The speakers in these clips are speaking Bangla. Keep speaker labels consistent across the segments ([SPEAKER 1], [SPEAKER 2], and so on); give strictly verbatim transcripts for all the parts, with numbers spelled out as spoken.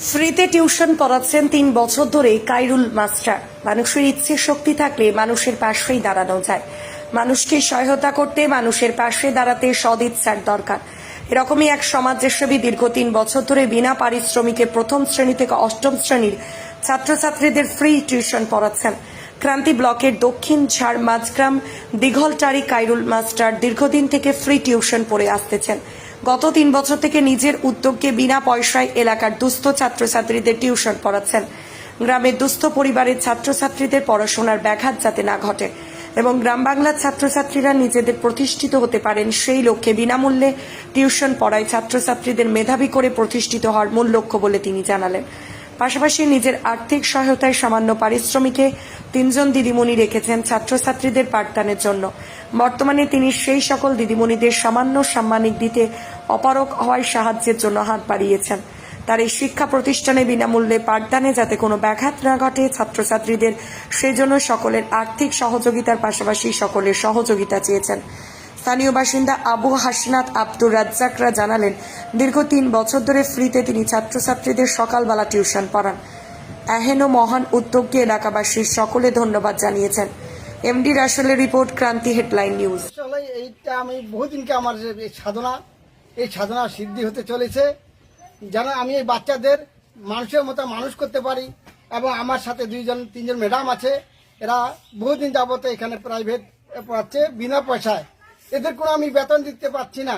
[SPEAKER 1] ফ্রিতে টিউশন পড়াচ্ছেন তিন বছর ধরে কাইরুল মাস্টার। মানুষের ইচ্ছে শক্তি থাকলে মানুষের পাশেই দাঁড়ানো যায়। মানুষকে সহায়তা করতে মানুষের পাশে দাঁড়াতে সদিচ্ছার দরকার। এরকমই এক সমাজসেবী দীর্ঘ তিন বছর ধরে বিনা পারিশ্রমিকে প্রথম শ্রেণী থেকে অষ্টম শ্রেণীর ছাত্রছাত্রীদের ফ্রি টিউশন পড়াচ্ছেন। ক্রান্তি ব্লকের দক্ষিণ ঝাড় মাঝগ্রাম দিঘলটারি কাইরুল মাস্টার দীর্ঘদিন থেকে ফ্রি টিউশন পড়ে আসতেছেন। গত তিন বছর থেকে নিজের উদ্যোগে বিনা পয়সায় এলাকার দুস্থ ছাত্রছাত্রীদের টিউশন পড়াচ্ছেন। গ্রামের দুস্থ পরিবারের ছাত্রছাত্রীদের পড়াশোনার ব্যাঘাত যাতে না ঘটে এবং গ্রাম বাংলার ছাত্রছাত্রীরা নিজেদের প্রতিষ্ঠিত হতে পারেন সেই লক্ষ্যে বিনামূল্যে টিউশন পড়ায় ছাত্রছাত্রীদের মেধাবী করে প্রতিষ্ঠিত হওয়ার মূল লক্ষ্য বলে তিনি জানালেন। পাশাপাশি নিজের আর্থিক সহায়তায় সামান্য পারিশ্রমিকে তিনজন দিদিমণি রেখেছেন ছাত্রছাত্রীদের পাঠদানের জন্য। বর্তমানে তিনি সেই সকল দিদিমণিদের সামান্য সাম্মানিক দিতে অপারগ হওয়ায় সাহায্যের জন্য হাত বাড়িয়েছেন। তার এই শিক্ষা প্রতিষ্ঠানে বিনামূল্যে পাঠদানে যাতে কোনো ব্যাঘাত না ঘটে ছাত্রছাত্রীদের, সেজন্য সকলের আর্থিক সহযোগিতার পাশাপাশি সকলের সহযোগিতা চেয়েছেন। স্থানীয় বাসিন্দা আবু হাসনাত আব্দুর রাজ্জাকরা জানালেন, দীর্ঘ তিন বছর ধরে ফ্রিতে তিনি ছাত্রছাত্রীদের সকালবেলা টিউশন পড়ান। এহেন মহান উদ্যোগকে এলাকাবাসীর সকলে ধন্যবাদ জানিয়েছেন। এমডি রাসেলের রিপোর্ট, ক্রান্তি হেডলাইন নিউজ।
[SPEAKER 2] এইটা আমি বহুদিনকে আমার এই সাধনা এই সাধনা সিদ্ধি হতে চলেছে, যেন আমি এই বাচ্চাদের মানুষের মতো মানুষ করতে পারি। এবং আমার সাথে দুইজন তিনজন ম্যাডাম আছে, এরা বহুদিন যাবত এখানে প্রাইভেট পড়াচ্ছে বিনা পয়সায়। এদের কোনো আমি বেতন দিতে পারছি না।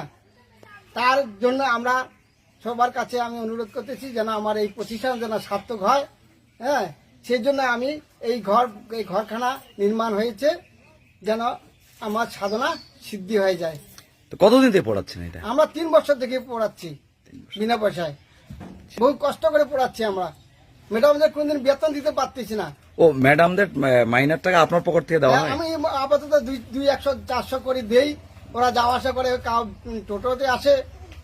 [SPEAKER 2] তার জন্য আমরা সবার কাছে আমি অনুরোধ করতেছি যেন আমার এই প্রতিষ্ঠান যেন সার্থক হয়। হ্যাঁ, সেই জন্য আমি এই ঘর এই ঘরখানা নির্মাণ হয়েছে যেন আমার সাধনা সিদ্ধি হয়ে যায়।
[SPEAKER 3] তো কতদিন থেকে পড়াচ্ছেন এটা?
[SPEAKER 2] আমরা তিন বছর থেকে পড়াচ্ছি বিনা পয়সায়, বহু কষ্ট করে পড়াচ্ছি আমরা। ম্যাডামদের কোনদিন বেতন দিতে পারতেছি না।
[SPEAKER 3] ও ম্যাডামদের মাইনের টাকা আপনার পকেট থেকে দেওয়া হয়?
[SPEAKER 2] আমি আপাতত দুই দুই একশো চারশো করে দেই, ওরা যাওয়া আসা করে, টোটোতে আসে।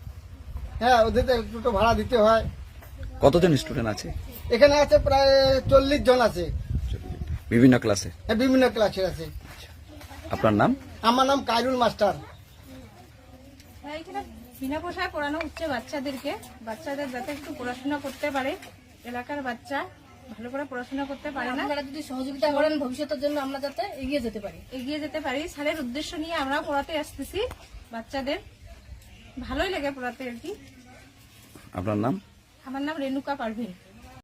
[SPEAKER 2] হ্যাঁ, ওদের টোটো ভাড়া দিতে হয়।
[SPEAKER 3] কতজন স্টুডেন্ট আছে
[SPEAKER 2] এখানে? আছে প্রায় চল্লিশ জন আছে,
[SPEAKER 3] বিভিন্ন ক্লাসে।
[SPEAKER 2] হ্যাঁ, বিভিন্ন ক্লাসের আছে।
[SPEAKER 3] আপনার নাম?
[SPEAKER 2] আমার নাম কাইরুল মাস্টার।
[SPEAKER 4] এখানে বিনা পয়সায় পড়ানো হচ্ছে বাচ্চাদেরকে, বাচ্চাদের যাতে একটু পড়াশোনা করতে পারে। এলাকার বাচ্চা ভালো করে পড়াশোনা করতে পারে না,
[SPEAKER 5] আপনারা যদি সহযোগিতা করেন ভবিষ্যতের জন্য আমরা যাতে এগিয়ে যেতে পারি
[SPEAKER 4] এগিয়ে যেতে পারি স্যারের উদ্দেশ্য নিয়ে আমরা পড়াতে আসতেছি বাচ্চাদের। ভালোই লাগে পড়াতে আর কি।
[SPEAKER 3] আপনার নাম?
[SPEAKER 4] আমার নাম রেণুকা পারভিন।